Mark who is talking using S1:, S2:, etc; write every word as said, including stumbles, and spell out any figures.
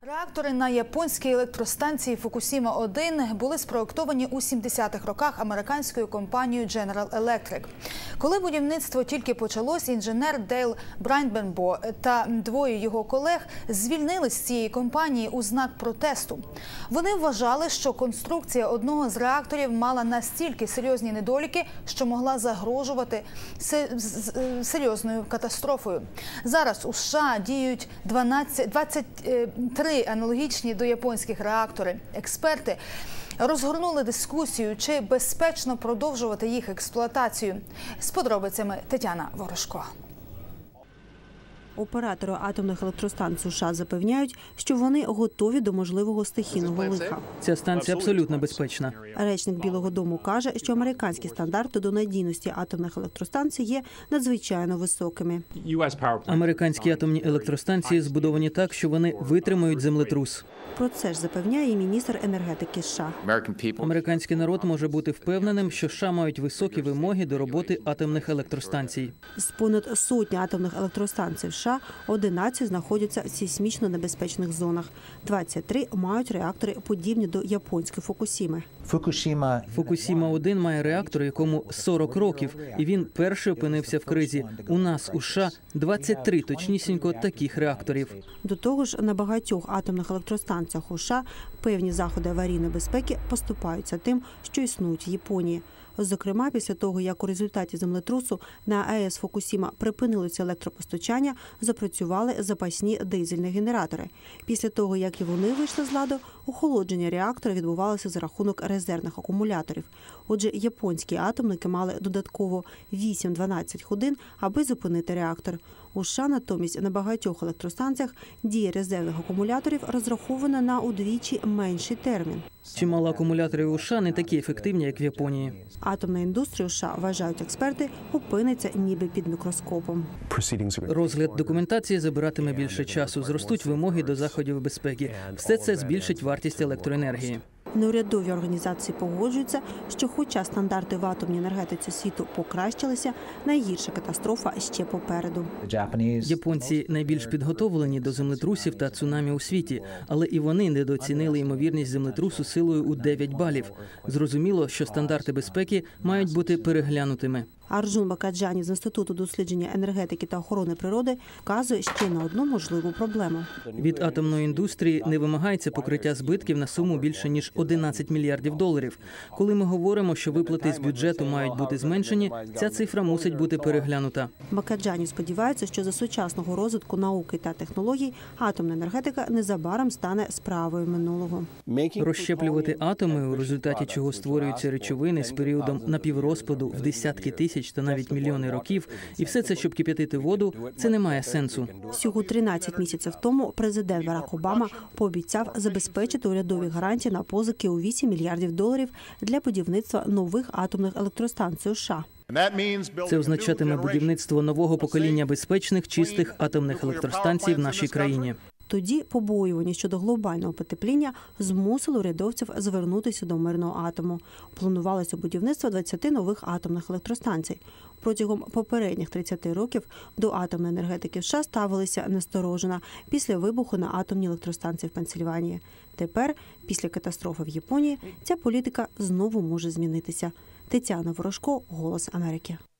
S1: Реактори на японській електростанції Фукусіма один були спроєктовані у сімдесятих роках американською компанією Дженерал Електрик. Коли будівництво тільки почалось, інженер Дейл Брайнбенбо та двоє його колег звільнились з цієї компанії у знак протесту. Вони вважали, що конструкція одного з реакторів мала настільки серйозні недоліки, що могла загрожувати серйозною катастрофою. Зараз у США діють двадцять три аналогічні до японських реактори. Експерти розгорнули дискусію, чи безпечно продовжувати їх експлуатацію. З подробицями Тетяна Ворожко.
S2: Оператори атомних електростанцій США запевняють, що вони готові до можливого стихійного лиха.
S3: Ця станція абсолютно безпечна.
S2: Речник Білого дому каже, що американські стандарти до надійності атомних електростанцій є надзвичайно високими.
S3: Американські атомні електростанції збудовані так, що вони витримають землетрус.
S2: Про це ж запевняє і міністр енергетики США.
S3: Американський народ може бути впевненим, що США мають високі вимоги до роботи атомних електростанцій.
S2: З понад сотні атомних електростанцій в США одинадцять знаходяться в сейсмічно небезпечних зонах. двадцять три мають реактори, подібні до японської Фукусіми.
S3: Фукусіма один має реактор, якому сорок років, і він перший опинився в кризі. У нас, у США, двадцять три точнісінько таких реакторів.
S2: До того ж, на багатьох атомних електростанціях у США певні заходи аварійної безпеки поступаються тим, що існують в Японії. Зокрема, після того, як у результаті землетрусу на АЕС Фукусіма припинилося електропостачання, запрацювали запасні дизельні генератори. Після того, як і вони вийшли з ладу, охолодження реактора відбувалося за рахунок резервних акумуляторів. Отже, японські атомники мали додатково вісім-дванадцять годин, аби зупинити реактор. У США натомість на багатьох електростанціях дія резервних акумуляторів розрахована на удвічі менший термін.
S3: Чимало акумуляторів у США не такі ефективні, як в Японії.
S2: Атомна індустрія у США, вважають експерти, опиниться ніби під мікроскопом.
S3: Розгляд документації забиратиме більше часу, зростуть вимоги до заходів безпеки. Все це збільшить вартість електроенергії.
S2: Неурядові організації погоджуються, що хоча стандарти в атомній енергетиці світу покращилися, найгірша катастрофа ще попереду.
S3: Японці найбільш підготовлені до землетрусів та цунамі у світі, але і вони недооцінили ймовірність землетрусу силою у дев'ять балів. Зрозуміло, що стандарти безпеки мають бути переглянутими.
S2: Арджун Бакаджані з Інституту дослідження енергетики та охорони природи вказує ще на одну можливу проблему.
S3: Від атомної індустрії не вимагається покриття збитків на суму більше, ніж одинадцять мільярдів доларів. Коли ми говоримо, що виплати з бюджету мають бути зменшені, ця цифра мусить бути переглянута.
S2: Бакаджані сподівається, що за сучасного розвитку науки та технологій атомна енергетика незабаром стане справою минулого.
S3: Розщеплювати атоми, у результаті чого створюються речовини з періодом напіврозпаду в десятки тисяч та навіть мільйони років, і все це, щоб кип'ятити воду, це не має сенсу.
S2: Всього тринадцять місяців тому президент Барак Обама пообіцяв забезпечити урядові гарантії на позики у вісім мільярдів доларів для будівництва нових атомних електростанцій у США.
S3: Це означатиме будівництво нового покоління безпечних, чистих атомних електростанцій в нашій країні.
S2: Тоді побоювання щодо глобального потепління змусили урядовців звернутися до мирного атому. Планувалося будівництво двадцяти нових атомних електростанцій. Протягом попередніх тридцяти років до атомної енергетики в США ставилися насторожено після вибуху на атомній електростанції в Пенсильванії. Тепер, після катастрофи в Японії, ця політика знову може змінитися. Тетяна Ворожко, «Голос Америки».